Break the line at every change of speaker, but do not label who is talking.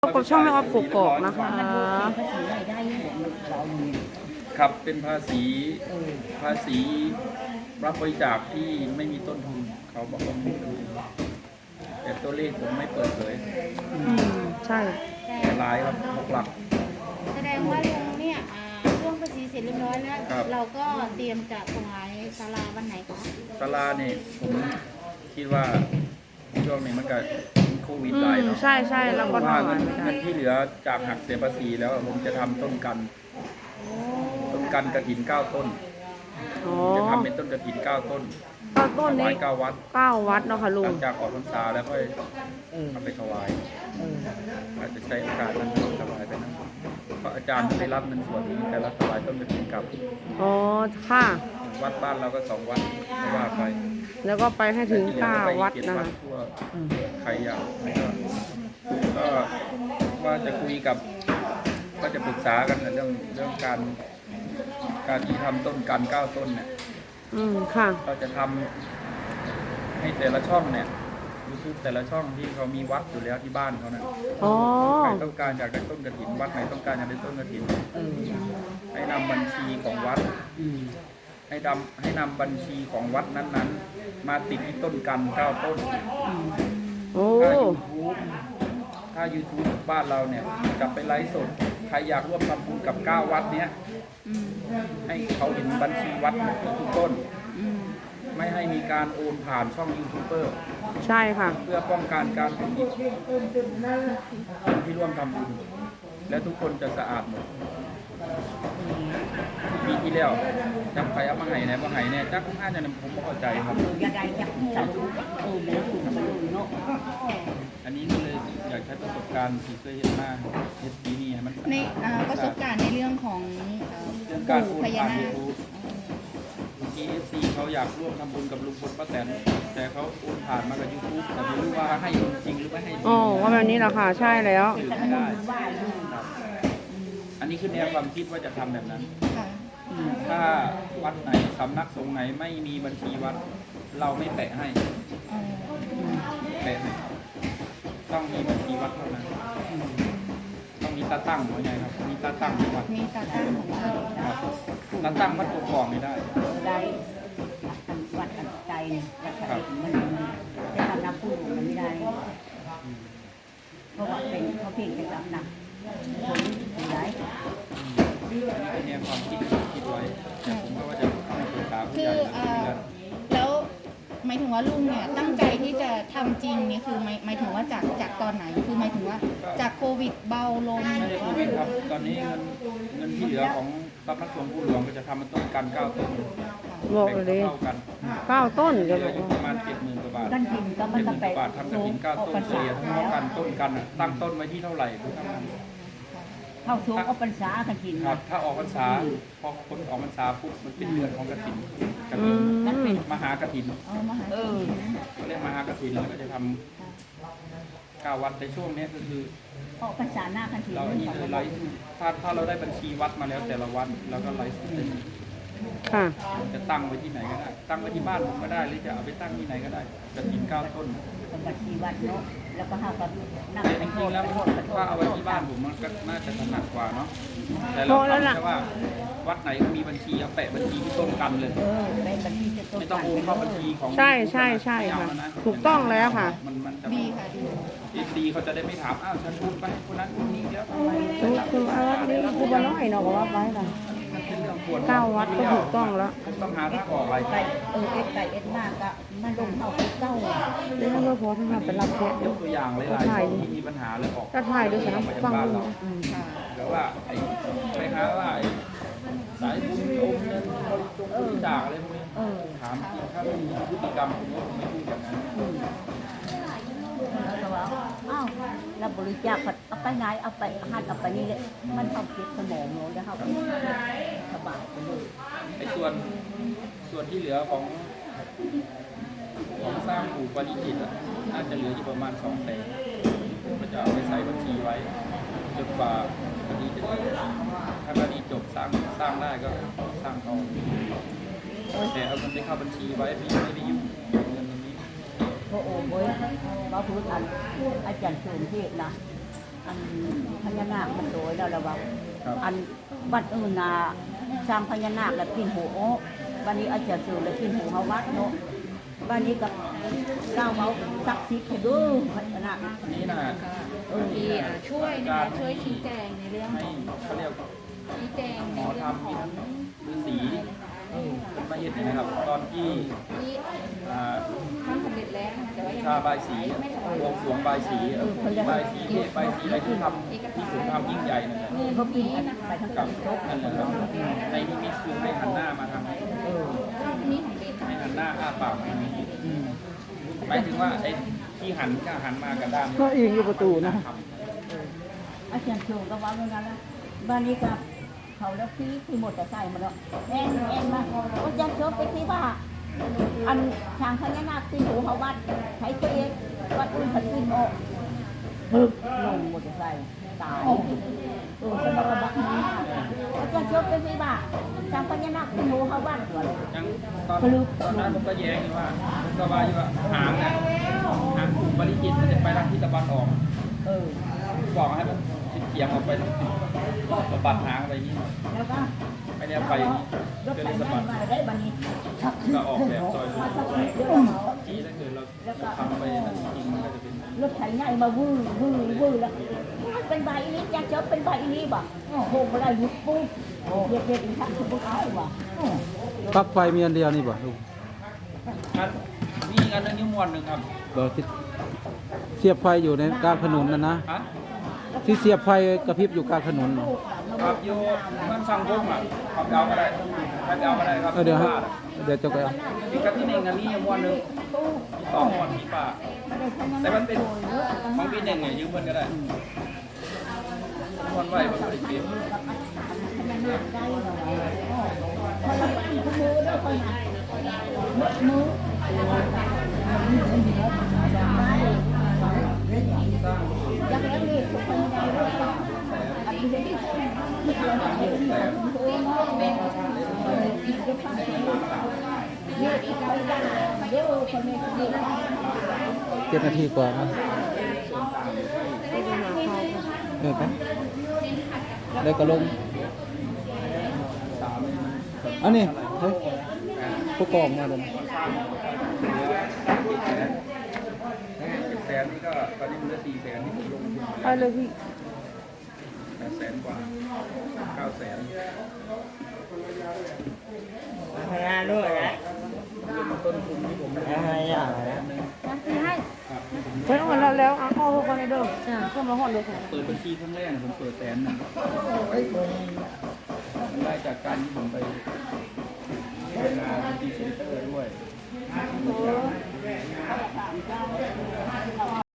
พบกับช่องแม่ออฟกกอกนะคะ
ครับเป็นภาษีรับบริจาคที่ไม่มีต้นทุนเขาบอกว่าไม่เป็นไรแต่ตัวเลขผมไม่เปิดเผย
ใช่
แต่หลายครับหลัก
แสดงว่าลุงเนี่ยร่วมภาษีเสร็จเรียบร้อยแล้วเราก็เตรียมจะถวายศาลาวันไหนคะ
ศาลาเนี่ยผมคิดว่าช่วงนี้มันก็โควิดหลายเนาะ
ใช่แล้วก็
ว่าเงินที่เหลือจากหักเสียภาษีแล้วผมจะทำต้นกันกฐิน9 ต้นจะทำเป็นต้นกฐิน9 ต้น
ต้นนี้
9 วัด
เนาะค่ะลุง
หลังจากออกพรรษาแล้วก็เอาไปถวายอาจจะใช้โอกาสนั้นถวายไปนะเพราะอาจารย์ได้รับเงินส่วนนี้แต่ละถวายต้นกฐินกับ
ค่ะ
วัดบ้านเราก็2 วัดไม่ว่าไป
แล้วก็ไปให้ถึง9 วัดนะคะ
ใครอยากก็ว่าจะคุยกับก็จะปรึกษากันเรื่องการที่ทำต้นกัน9 ต้นเนี่ย
ค่ะ
เราจะทำให้แต่ละช่องเนี่ยYouTubeแต่ละช่องที่เขามีวัดอยู่แล้วที่บ้านเขาเนี่ยใครต้องการอยากได้ต้นกฐินวัดไหนต้องการอยากได้ต้นกฐินให้นำบัญชีของวัดให้นำบัญชีของวัดนั้นๆมาติดที่ต้นกัน9 ต้นถ้า YouTube บ้านเราเนี่ยจะไปไลฟ์สดใครอยากร่วมทำบุญกับ9 วัดเนี้ยให้เขาเห็นบัญชีวัดทุกต้นไม่ให้มีการโอนผ่านช่องยูทูบเบอร์
ใช่ค่ะ
เพื่อป้องกันการผิดที่ร่วมทำบุญและทุกคนจะสะอาดหมดปีที่แล้วจับใครเอามาให้ไหนมาให้เนี่ยจักน่าจะผมไม่เข้าใจครับอันนี้ก็เลยอยากใช้ประสบการณ์ที่เคยเห็นมาเห็นปีนี้มัน
ในประสบการณ์ในเรื่องของ
การพูดผ่านยูทูบTFC เขาอยากร่วมทำบุญกับลุงพลป้าแตนแต่เขาโอนผ่านมากับ YouTube แต่ไม่รู้ว่าให้จริงหรือไม่ให้จริง
ว่าแบบนี้แหละค่ะใช่แล้ว
ไม่ได้อันนี้คือแนวความคิดว่าจะทำแบบนั้นถ้าวัดไหนสำนักสงฆ์ไหนไม่มีบัญชีวัดเราไม่แปะให้ต้องมีบัญชีวัดเท่านั้นต้องมีตาตั้งหัวใหญ่ครับมีตาตั้งวัด
มีตาตั้งของวัด
ตาตั้งวัดกกอกไม่ได้
วัดใจมันจะทำนักพูดมันไม่ได้เพราะว่าเป็นเขาเพียงแต่ทำนักผมเป็นไร
เนี่ยความคิดไว้แต่ผมก็ว่าจะให้ปรึกษาผู้ใหญ่
แล้วหมายถึงว่าลุงเนี่ยตั้งใจที่จะทำจริงเนี่ยคือหมายถึงว่าจากตอนไหนคือหมายถึงว่าจากโควิดเบาลง
ไม่ได้โควิดครับตอนนี้เงินที่เหลือของสำนักสงฆ์ผู้หลวงก็จะทำมันต้นกัน9 ต้น
บอกเลย9 ต้น
จะอยู่ประมาณ70,000 กว่าบาท70,000 กว่าบาททำกฐิน9 ต้นเฉลี่ยทั้งกันต้นกันตั้งต้นไว้ที่เท่าไหร่
เข้าสูงออกพรรษากฐิน
ครับถ้าออกพรรษาพอคนออกพรรษาปุ๊บมันเป็นเดือนของกฐินมหากฐินเขาเรียกมหากฐินแล้วก็จะทำ9 วัดในช่วงนี้ก็คือ
ออกพรรษาหน้ากฐิน
เราอันนี้เลยไลฟ์ถ้าเราได้บัญชีวัดมาแล้วแต่ละวัดเราก็ไลฟ์
ค่ะ
จะตั้งไว้ที่ไหนก็ได้ตั้งไว้ที่บ้านผมก็ได้หรือจะเอาไปตั้งที่ไหนก็ได้กฐิน9 ต้น
บัญชีวัดเนาะแล้วก็ห้ากับ
นั่งจริงๆแล้วถ้าเอาไว้ที่บ้านผมมันก็น่าจะถนัดกว่าเนาะแต่เราทำแค่ว่าวัดไหนมีบัญชีเอาแปะบัญชีที่ต้นกันเลยไม่ต้องโอนเข้าบัญชีของ
ใช่ค่ะถูกต้องแล้วค่ะ
ดีค่ะ
ดีเขาจะได้ไม่ถามฉันพูดไปคนนั้นคนนี้แล้ว
คือว่านี่คือบ้านน้อยเนาะบอกว่าไว้ค่ะ9 วัดก็ถูกต้องแล้ว
ต้องหาทางออกอะไร
ไก่มากก็มันลงเข้าไปเก้า
แล้วก็พอทั้งนั้นเป็นรับแขก
ยกตัวอย่างหลายๆที่มีปัญหาเลยออก
ก็ถ่ายด้วยนะฟัง
แล้วว่าไปหาว่าสายบุญโยมเงินบริจาคอะไรพวกนี้ถามถ้าไม่มีพฤติกรรมผมก็ไม่พูดอย่างนั้น
เราบริจาคเอาไปไหนเอาไปหัดเอาไปนี่เลยมันทำเก็บสมองเนาะแล้วเขาสบายไปเลย
ไอ้ส่วนที่เหลือของสร้างปู่ปริจิตน่าจะเหลืออยู่ประมาณ200,000ก็จะเอาไปใส่บัญชีไว้จนกว่าคดีจะถ้าคดีจบสร้างได้ก็สร้างต่อแต่เอาเงินไปเข้าบัญชีไว้ไม่ได้ยุ่งเงินตรงนี้
โอ้โหเว้ยมาพูดอาจารย์เฉลิมเทศนะอันพญานาคมันโดยแล้วระวัง
ครับ
อันวัดอื่นน่ะสร้างพญานาคแล้วกินหูโอ้วันนี้อาจารย์สูแล้วกินหูเฮาวัดเนาะวันนี้กับก้าวเมาสักสิบให้ดูพญานาค
อันนี้นะ
ที่ช่วยนะคะช่วยชี้แจงในเรื่อง
ให้
ของ
เขาเรียก
ชี้แจง
หม
ใน
อ
เรื่อง
ทำ
ข
มี
อง
ทั้งฤาษีมาเห็นนี่นะครับ ตอนที่
ที่
อ่า
ทำสำเร็จแล้วนะคะแต่ว่ายัง
ชาบายสีบวงสรวงบายสีบายสีบายสีอะไรที่ทำที่ผมทำยิ่งใหญ่นั่นแหละ
เขากินอันไปทั้ง
กับ
ครบ
นั่นแหละครับในนิมิตคือให้หันหน้ามาทาง
รอบนี้ของเบน
ให้หันหน้าอ้าปากมาทางนี้หมายถึงว่าไอ้ที่หันก็หันมากับด้าน
ก็อิงอยู่ประตูนะ
อาจารย์สูก็ว่าเมื่อนั้นแล้วบ้านนี้กับเขาแล้วพี่หมดแต่ใส่มาแล้วแอนมาอาจารย์สูไปที่ว่าอันทางพญานาคตีหูเขาวัดใช้ตัวเองวัดอื่นผัดกินออกปึ๊บลงหมดแต่ใส่ตายสมบัติบักนี้อาจารย์สูไปที่ว่าทางพญานาคตีหูเขาวัดหัวเลย
ยังตอนนั้นผมก็แย้งอยู่ว่าผมก็ว่าอยู่ว่าหางเนี่ยหางบริจิตมันจะไปทางทิศตะวันออก บอกให้มันเฉียงออกไปทางทิศสะบัดหางไปอย่างนี้
แล้วก็
ไม่ได้ไปอย่างนี้
รถ
ก็
ไถ
เลยสะ
นา
บัด
มาได้บันนี้
ก็ออกแบบซอย
มาสักนิดเดียวเขา
ที่ถ้าเกิดเราทำไปนั่นจริงๆมันก็จะเป็น
รถไถใหญ่มาวู้แล้วมันเป็นใบนี้จะเจอเป็นใบนี้บ่โหมาได้ยุบปุ๊บเด็กๆอีกทั้งทุกเอาบ่
ปลั๊กไฟมีอันเดียวนี่บ่ลุง
อันมีอีกอันนึงนิ้วมวนหนึ่งครับ
บ่ที่เสียบไฟอยู่ในกลางถนนนะ
ฮะ
ที่เสียบไฟกระพริบอยู่กลางถนนน่ะ
ครับโยมันสั่งพุ่มอ่ะขับเอาก็ได้ถ้าเอาก็ได้ครับ
เดี๋ยวฮะเดี๋ยวจะไปเอา
มีกับที่หนึ่งอันนี้ม้วนหนึ่งมีสองม้วนมีป่าแต่มันเป็นของพี่หนึ่งเนี่ยยืมเพื่อนก็ได้ม้วนไว้บนบริเวณ
คนละบ้านคนมือด้วยคนน่ะมืออยากเลี้ยงเด็กทุกคนใหญ่ด้วยอันนี้ที่ตัวน้องเป็นอีกจะฟังเยอะอีกคนดังเดี๋ยวคนนี้ดี
7 นาทีกว่านะไปแล้วก็ลงอันนี้เฮ้ยผู้กองมาเดิน
แสนนี่ก็ตอนนี้มันเหลือ400,000ที่ผมลงทุน
เอาเลยพี่
800,000 กว่า900,000
พนันด้วยนะ
ต้นทุนที่ผม
อะไรอย่างนะ
เพิ่นเอาแล้วเอาเข้าคนในเดิมเพิ่นมาฮอดเลยค่ะ
เปิดบัญชีครั้งแรกผมเปิด100,000ได้จากการที่ผมไปทำงานที่เซ็นเตอร์ด้วย